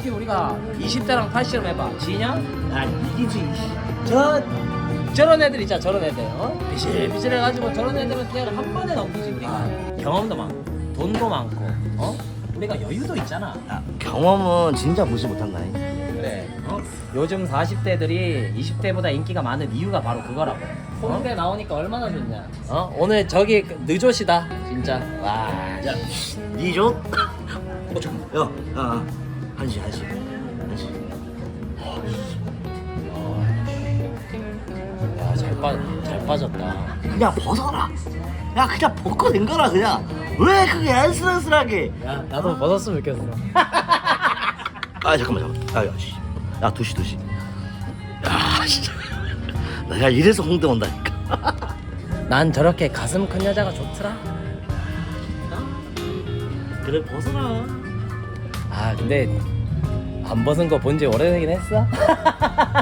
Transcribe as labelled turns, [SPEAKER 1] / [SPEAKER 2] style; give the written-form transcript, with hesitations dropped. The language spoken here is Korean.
[SPEAKER 1] 솔직히 우리가 20대랑 80을 해봐. 지냐?
[SPEAKER 2] 아 이기지.
[SPEAKER 1] 저런 애들 있잖아. 저런 애들. 비실비실해가지고 저런 애들은 그냥 한 번에 넘기지 우리가. 경험도 많고 돈도 많고 우리가 여유도 있잖아.
[SPEAKER 2] 야, 경험은 진짜 무시 못한다.
[SPEAKER 1] 그래. 요즘 40대들이 20대보다 인기가 많은 이유가 바로 그거라고. 홍대 나오니까 얼마나 좋냐. 오늘 저기 느조시다 진짜. 와.
[SPEAKER 2] 야, 니죠? 잠깐. 야, 한시.
[SPEAKER 1] 야, 잘 빠졌다.
[SPEAKER 2] 그냥 벗어라. 야, 그냥 벗고 된 거라 그냥. 왜 그게 안쓰러스하게?
[SPEAKER 1] 야, 나도 벗었으면 좋겠어.
[SPEAKER 2] 아, 잠깐만. 야, 씨. 야, 두시. 야, 진짜. 내가 이래서 홍대 온다니까.
[SPEAKER 1] 난 저렇게 가슴 큰 여자가 좋더라.
[SPEAKER 2] 그래, 벗어라.
[SPEAKER 1] 아, 근데 안 벗은 거 본 지 오래되긴 했어.